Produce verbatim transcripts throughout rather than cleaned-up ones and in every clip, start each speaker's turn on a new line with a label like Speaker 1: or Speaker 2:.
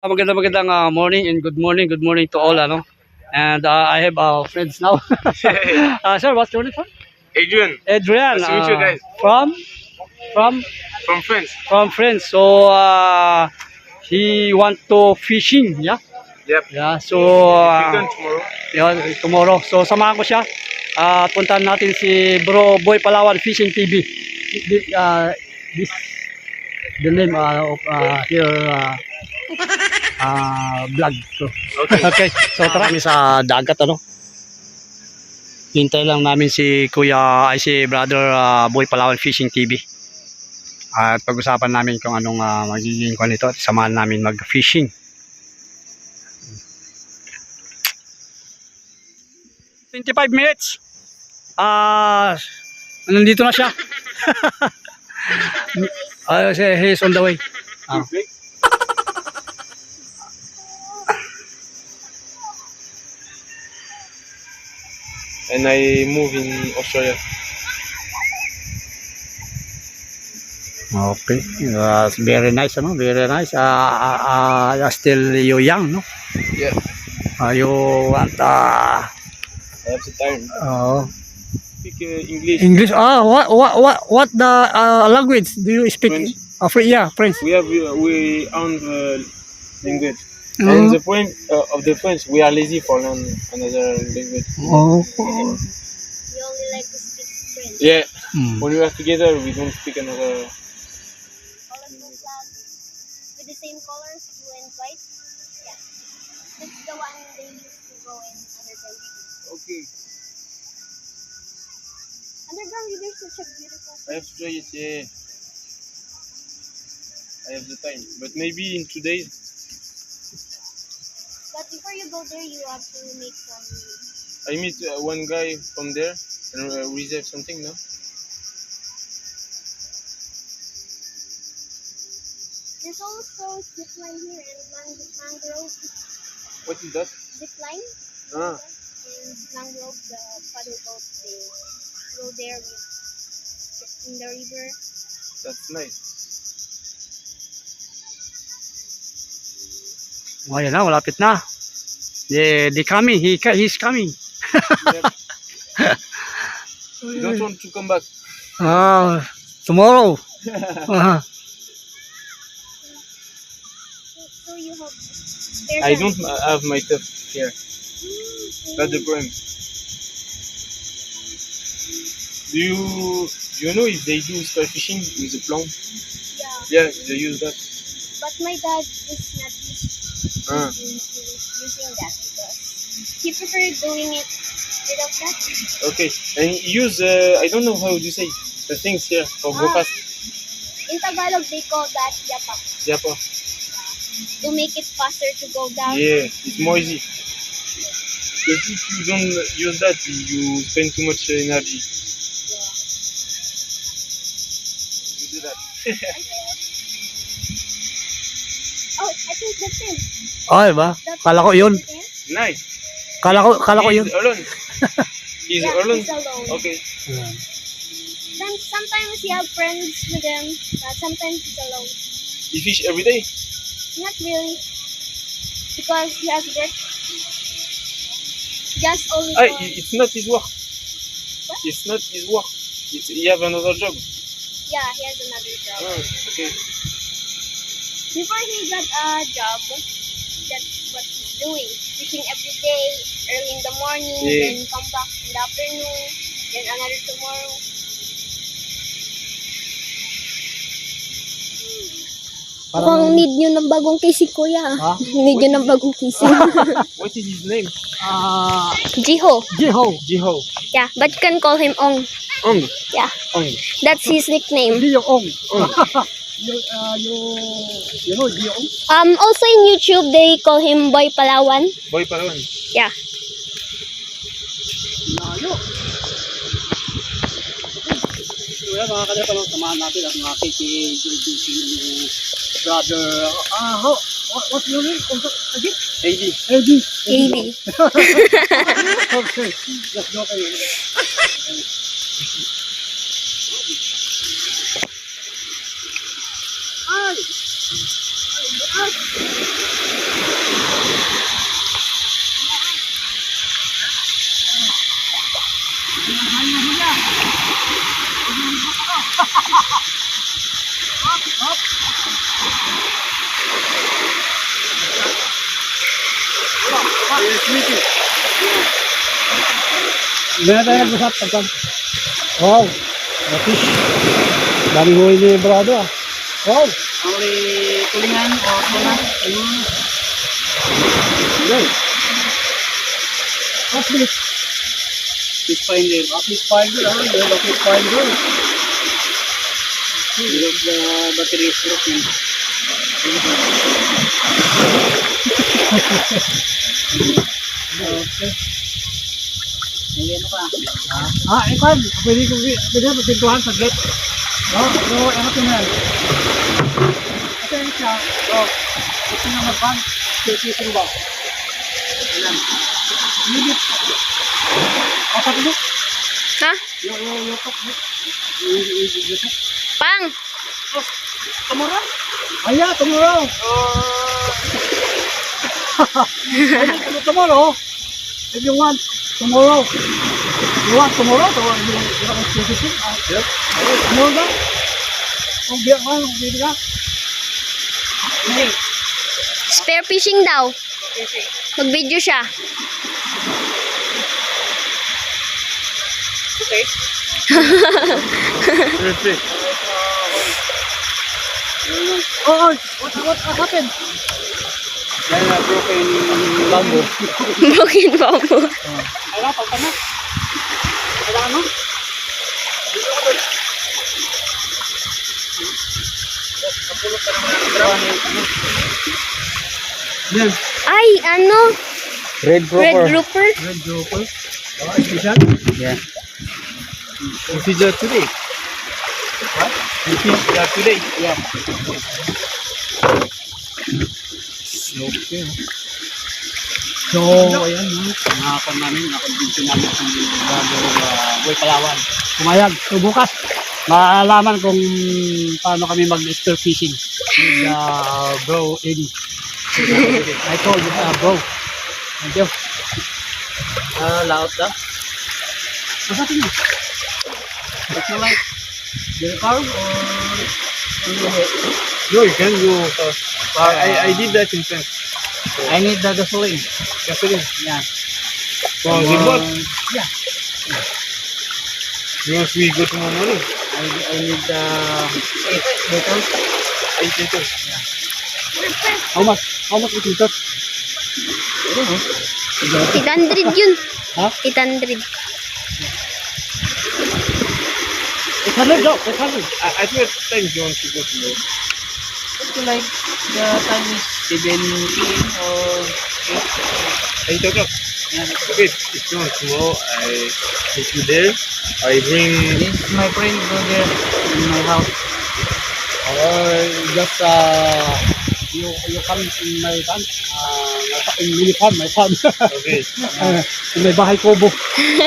Speaker 1: Magandang magandang uh, morning and good morning, good morning to all, ano. And uh, I have uh, friends now. uh, sir, what's your name, sir?
Speaker 2: Adrian,
Speaker 1: Adrian.
Speaker 2: nice to meet you
Speaker 1: Uh,
Speaker 2: guys.
Speaker 1: from from
Speaker 2: From France.
Speaker 1: from friends. So uh, he want to fishing, yeah.
Speaker 2: Yep.
Speaker 1: Yeah. So
Speaker 2: Weekend
Speaker 1: uh,
Speaker 2: tomorrow.
Speaker 1: yeah, tomorrow. So samahan ko siya. Uh, puntahan natin si Bro Boy Palawan Fishing T V. This, uh, this the name uh, of uh, here. Uh, ah vlog ko.
Speaker 2: Okay.
Speaker 1: Okay. So tara kami sa dagat, ano. Hintay lang namin si Kuya ay si Brother uh, Boy Palawan Fishing T V. At pag-usapan namin kung anong uh, magiging kwan nito at samahan namin mag-fishing. twenty-five minutes. Ah, uh, nandito na siya. Ah, uh, he's on the way. Ah.
Speaker 2: And I move in Australia.
Speaker 1: Okay, uh, very nice, ano? Very nice. Uh, uh, uh, still you young, no?
Speaker 2: Yeah.
Speaker 1: Uh, you want uh,
Speaker 2: I have the time.
Speaker 1: uh,
Speaker 2: Speak uh, English.
Speaker 1: English. Ah, what what what what the uh, language do you speak?
Speaker 2: French.
Speaker 1: Uh, French, yeah, French.
Speaker 2: We have uh, we own the language.
Speaker 1: Mm.
Speaker 2: And the point uh, of the French, we are lazy for learn another language.
Speaker 1: Oh.
Speaker 3: You only like to speak French.
Speaker 2: Yeah.
Speaker 1: Hmm.
Speaker 2: When we are together, we don't speak another.
Speaker 3: Colorful flag with the same colors, blue and white. Yeah, that's the one they used to go in underground river.
Speaker 2: Okay.
Speaker 3: Underground river is such a beautiful
Speaker 2: I have to try it. Yeah. I have the time, but maybe in two days.
Speaker 3: But before you go there, you have to make some.
Speaker 2: I meet uh, one guy from there and uh, reserve something. No.
Speaker 3: There's also zip line here and mang- mangrove
Speaker 2: What is that?
Speaker 3: zip line.
Speaker 2: Ah.
Speaker 3: And mangrove, the paddle boat, they go there with, in the river.
Speaker 2: That's nice.
Speaker 1: Oh, yan na, malapit na. They, they coming. He he's coming.
Speaker 2: Yep. You don't want to come back.
Speaker 1: Ah, tomorrow. Uh,
Speaker 3: So you have spare
Speaker 2: I
Speaker 3: time.
Speaker 2: don't have my stuff here. That's the problem. Do you do you know if they do sky fishing with a plum?
Speaker 3: Yeah,
Speaker 2: Yeah, they use that.
Speaker 3: but my dad is not used
Speaker 2: Ah.
Speaker 3: to using that because he preferred doing it without that.
Speaker 2: Okay. And use uh, I don't know how you say the things here for
Speaker 3: Ah.
Speaker 2: broadcast.
Speaker 3: In Tagalog, they call that yapak
Speaker 2: Yeah, pa.
Speaker 3: to make it faster to go down.
Speaker 2: Yeah, it's more easy. Because if you don't use that, you spend too much energy. You do that.
Speaker 3: Oh, I think that's him.
Speaker 1: oh, diba?
Speaker 3: That's
Speaker 1: Kala ko yun.
Speaker 3: him.
Speaker 2: Nice.
Speaker 1: Kala ko, kala ko yun.
Speaker 2: He's alone. He's
Speaker 3: Yeah,
Speaker 2: alone.
Speaker 3: he's alone.
Speaker 2: Okay.
Speaker 3: Then sometimes he have friends with him, but sometimes he's alone.
Speaker 2: You fish every day?
Speaker 3: Not really, because he has work. Just only
Speaker 2: Ah,
Speaker 3: for,
Speaker 2: i- it's not his work. It's not his work. It's, he have another job.
Speaker 3: yeah, he has another job.
Speaker 2: Oh, okay.
Speaker 3: Before he got a job, that's what he's doing. Fishing every day, early in the morning,
Speaker 2: Yeah.
Speaker 3: then come back in the afternoon, then another tomorrow.
Speaker 1: Parang,
Speaker 3: need nyo ng bagong casing, kuya.
Speaker 1: Ha?
Speaker 3: Need nyo ng bagong casing.
Speaker 2: What is his name?
Speaker 1: ah,
Speaker 3: Jiho.
Speaker 1: Jiho.
Speaker 2: Jiho.
Speaker 3: Yeah, but you can call him Ong.
Speaker 2: Ong.
Speaker 3: Yeah,
Speaker 2: Ong.
Speaker 3: that's his nickname.
Speaker 1: Hindi yung ong.
Speaker 2: Ong.
Speaker 1: yung, uh, yung, you know, di yung.
Speaker 3: Um, also in YouTube, they call him Boy Palawan.
Speaker 2: Boy Palawan.
Speaker 3: Yeah.
Speaker 1: Layo. So yan, mga kalya, talong samahan natin at mga K K A brother. Ah, how, what, what's your name? Also, again?
Speaker 2: A D.
Speaker 1: Eddie.
Speaker 3: A D.
Speaker 1: Okay, let's go kayo. Ay! Ay! Ay!
Speaker 2: It's meeting.
Speaker 1: Hindi na tayo nag-usap. Pagkan. Wow. A fish. Daming huli ni brado ah. Wow.
Speaker 4: Only tulingan or tuna.
Speaker 1: Okay. What's this?
Speaker 4: Fish finder.
Speaker 1: A fish finder ah. You have a fish finder.
Speaker 4: You have the battery is broken.
Speaker 1: Okay.
Speaker 4: May ano ka?
Speaker 1: Ah, ikan. Pwede ko pwede mo pintuhan saglit. No, no, ano to na yan? Ito yung siya. Oh, ito na magpan. Fishing ba? Ayan. Hindi. Apa itu?
Speaker 3: Hah?
Speaker 1: Yo yo yo tok. Yo tok.
Speaker 3: Pang!
Speaker 1: Tomorrow? Aya, tomorrow. Oh. Tomorrow. If you want tomorrow. You want tomorrow? Tomorrow you you want to fishing?
Speaker 2: Yep.
Speaker 1: Tomorrow ba? Kung biya ka, kung biya ka.
Speaker 3: Spear fishing daw. Mag-video siya.
Speaker 4: Okay.
Speaker 2: Perfect.
Speaker 1: Oh, oh, what what happened?
Speaker 4: Dahil na broken bamboo.
Speaker 3: Broken bamboo.
Speaker 1: Ala, pagka na. Kailangan mo? Yan.
Speaker 3: Ay, ano?
Speaker 4: Red
Speaker 3: Red grouper?
Speaker 1: Red grouper. Oh, special.
Speaker 4: Yeah.
Speaker 2: You fish that today?
Speaker 1: What?
Speaker 2: You fish that today?
Speaker 4: Yeah.
Speaker 2: Okay.
Speaker 1: So, ayan ha. Nakakon namin, nakon-video namin sa Brado uh, Boy Palawan. Pumayag. So, bukas, maalaman kung paano kami mag-spear fishing with uh, bro Eddie. I told you, uh, bro. Thank you.
Speaker 4: Ah, laot daw.
Speaker 1: What's that in?
Speaker 4: What you like?
Speaker 1: The car or...
Speaker 2: No, you can go fast. I, I, I did that in France.
Speaker 4: I need the gasoline.
Speaker 2: Gasoline.
Speaker 4: Yeah.
Speaker 2: From Zimbabwe.
Speaker 1: Yeah.
Speaker 2: Once we go tomorrow morning.
Speaker 4: I, I need the eight liters.
Speaker 2: Eight liters.
Speaker 1: How much? How much it cost?
Speaker 4: I don't know.
Speaker 3: eight hundred yun.
Speaker 1: Ha?
Speaker 3: eight hundred.
Speaker 1: eight hundred daw. eight hundred.
Speaker 2: At at what time do you want to go tomorrow?
Speaker 4: What you like? The time is seven p m or eight.
Speaker 2: Eight o'clock.
Speaker 4: Yeah, that's
Speaker 2: Okay, if you want tomorrow, I meet you there. I bring.
Speaker 4: This is my friend go there in my house.
Speaker 1: Or just uh, you you come in my farm, uh, in mini farm, my farm.
Speaker 2: Okay.
Speaker 1: uh, in my bahay kubo. uh,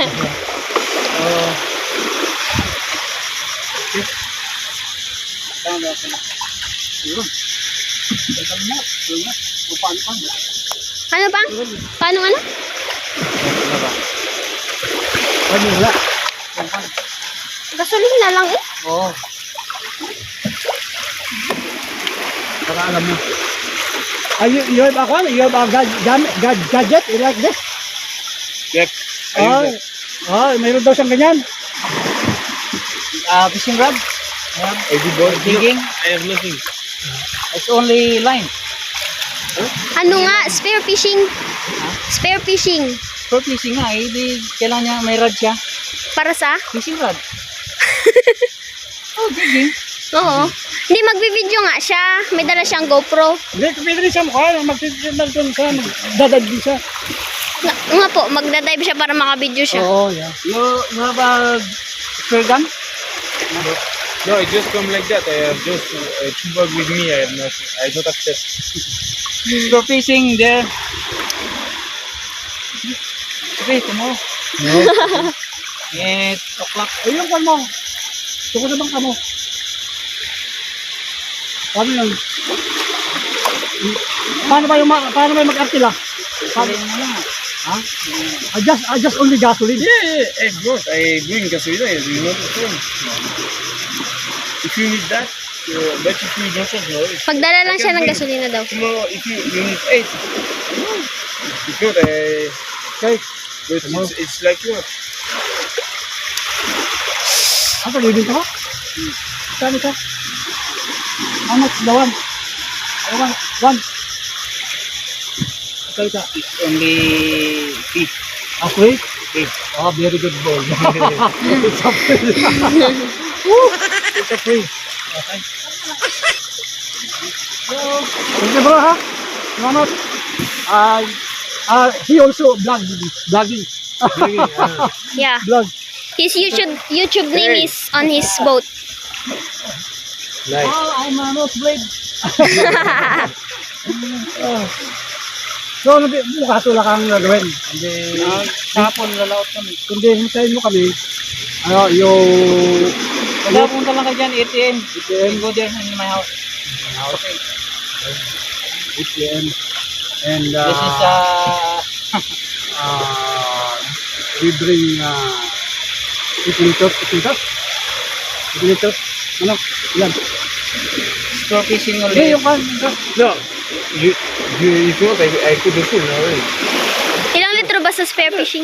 Speaker 4: Tama ba sila?
Speaker 1: yun. Teka mo, yun na. Kung paano pa.
Speaker 3: Ano pang? Paano ano?
Speaker 4: Ano ba?
Speaker 1: Ano wala?
Speaker 3: Gasolina na lang eh.
Speaker 1: Oo. Para alam mo. Ah, you, you have a one? You have a gad, gad, gad, gadget like this?
Speaker 2: Yep. I
Speaker 1: Ah,
Speaker 2: use that.
Speaker 1: ah, mayroon daw siyang ganyan.
Speaker 4: Uh, fishing rod? Yeah.
Speaker 2: I did what?
Speaker 4: Digging?
Speaker 2: No, I have nothing.
Speaker 4: It's only line.
Speaker 3: Ano nga? Spear fishing. Spear fishing.
Speaker 4: For fishing nga, eh, di, kailangan niya may rod siya.
Speaker 3: Para sa?
Speaker 4: Fishing rod. Oh, digging.
Speaker 3: Oo. Hindi, magbibideo nga siya. May dala siyang GoPro.
Speaker 1: Hindi, pwede rin siya mukha. Magtitindan doon siya. Magdadad din siya.
Speaker 3: Nga, nga po, magdadive siya para makabideo siya.
Speaker 1: Oo, yeah.
Speaker 4: You, you have a spear gun?
Speaker 2: No, no, I just come like that. I have just uh, two bag with me. I have nothing. I don't have chest.
Speaker 4: For fishing there. Okay, tomorrow.
Speaker 1: No.
Speaker 4: eight o'clock.
Speaker 1: Ayun kan mo. Tuko na bang kamo? Paano yun? Paano ba yung ma- paano ba yung mag-artila?
Speaker 4: Gasolina na lang.
Speaker 1: Ha? I just, I just only gasoline.
Speaker 2: Yeah, yeah, of course. I bring gasoline. You know the phone. If you need that, uh, but if you don't want no risk.
Speaker 3: Magdala lang siya ng gasolina daw.
Speaker 2: Tomorrow, if you, you need eight. If not, uh,
Speaker 1: Okay.
Speaker 2: but it's, it's like you want.
Speaker 1: Ano, living ka ba? Saan ka? How much the one? I want one. Okay ka.
Speaker 4: It's only fee.
Speaker 1: Ah, free?
Speaker 4: Free.
Speaker 1: Ah, very good boy. It's a free. Woo! It's a free. Okay. Thank you, bro, ha? Salamat. Ah, ah, he also vlog, vlogging.
Speaker 3: Yeah.
Speaker 1: Vlog.
Speaker 3: His YouTube YouTube name is on his boat.
Speaker 2: Nice.
Speaker 1: Oh, I'm a nosebleed. Oh. So, nabi, bukas wala kang gagawin. Hindi,
Speaker 4: Uh, Kahapon lalaot kami.
Speaker 1: kundi hintayin mo kami. Ano, yung
Speaker 4: Wala, punta lang ka dyan, A T M.
Speaker 1: A T M.
Speaker 4: You go there in my house. Okay.
Speaker 1: A T M. And uh,
Speaker 4: This is uh,
Speaker 1: uh, we bring uh, eight liters, eight liters, eight liters. Ano? Yan.
Speaker 4: store fishing
Speaker 1: Hindi,
Speaker 4: ulit.
Speaker 1: yung kan.
Speaker 2: No, you, you, if you want, I, I put the full now. Already.
Speaker 3: Ilang litro ba sa spare fishing?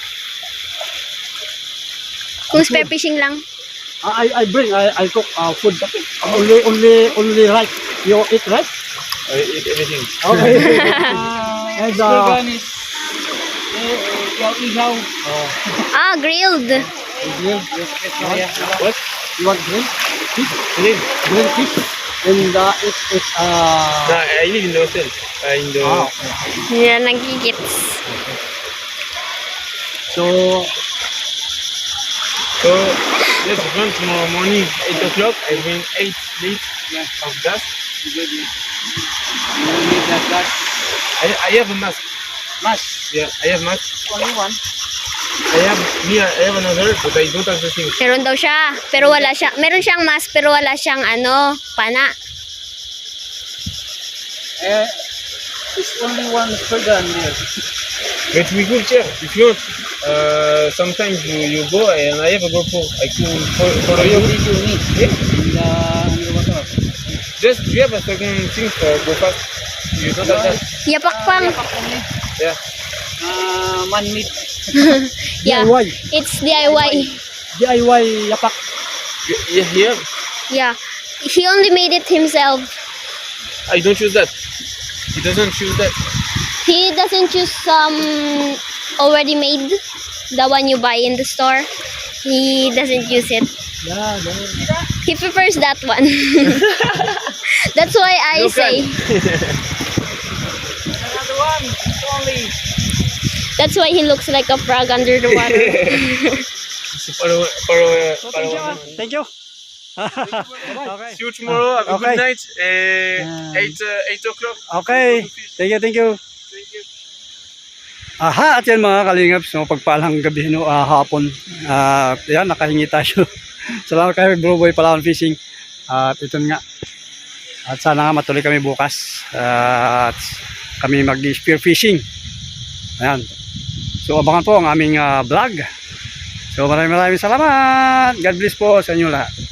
Speaker 3: Kung spare fishing lang.
Speaker 1: I, I bring, I, I cook uh, food. Only, only, only rice. You eat rice?
Speaker 2: I eat everything.
Speaker 1: Okay.
Speaker 4: Uh,
Speaker 1: And,
Speaker 4: store
Speaker 1: uh,
Speaker 4: gun is eh, eh, ihaw.
Speaker 1: oh,
Speaker 3: Ah, grilled.
Speaker 1: grill.
Speaker 4: Yeah.
Speaker 2: What?
Speaker 1: You want grill? Fish?
Speaker 2: Again?
Speaker 1: Grill fish? And uh, it, it,
Speaker 2: No,
Speaker 1: uh,
Speaker 2: I live in the hotel. Uh, in the.
Speaker 1: ah,
Speaker 3: Yeah, nagigits.
Speaker 1: so,
Speaker 2: So, yes, if you want tomorrow morning, eight o'clock, I bring eight liters of gas.
Speaker 4: Good. You need that gas.
Speaker 2: I, I have a mask.
Speaker 4: Mask.
Speaker 2: Yeah, I have mask.
Speaker 4: Only one.
Speaker 2: I have me. I have another, but I don't have the thing.
Speaker 3: Meron daw siya, pero wala siya. Meron siyang mask, pero wala siyang ano, pana.
Speaker 4: Eh, it's only one store gun there.
Speaker 2: But we could share if you want. Uh, sometimes you, you go and I have a GoPro. I could for, for
Speaker 4: For
Speaker 2: you.
Speaker 4: you video me
Speaker 2: Yeah.
Speaker 4: in the underwater.
Speaker 2: Just you have a second thing for go fast. You don't have that.
Speaker 3: Yapak pang.
Speaker 4: Yapak only.
Speaker 2: Yeah.
Speaker 4: Uh, man-made.
Speaker 3: Yeah,
Speaker 1: D I Y.
Speaker 3: it's D I Y.
Speaker 1: D I Y yapak.
Speaker 2: You- Yeah, yeah.
Speaker 3: Yeah. He only made it himself.
Speaker 2: I don't choose that. He doesn't choose that.
Speaker 3: He doesn't choose some already made, the one you buy in the store. He doesn't use it.
Speaker 1: Yeah, yeah.
Speaker 3: He prefers that one. That's why I
Speaker 2: Look
Speaker 3: say.
Speaker 4: Another one. It's only.
Speaker 3: That's why he looks like a frog under the water.
Speaker 2: So para para
Speaker 1: So,
Speaker 2: para
Speaker 1: thank you. ah. Thank you. Okay.
Speaker 2: See you tomorrow. Have a
Speaker 1: Okay.
Speaker 2: good night. Uh,
Speaker 1: Yeah.
Speaker 2: eight uh, eight o'clock.
Speaker 1: Okay. Thank you, thank you.
Speaker 2: Thank you.
Speaker 1: Aha, at yan mga kalingap, so pagpalang gabi, no, ah, hapon. At yan, nakahingi tayo. Salamat kayo, Bro Boy Palawan Fishing. At ito nga. At sana nga matuloy kami bukas. At kami mag-spear fishing. Ayan. So abangan po ang aming ah, vlog. So maraming maraming salamat. God bless po sa inyo lahat.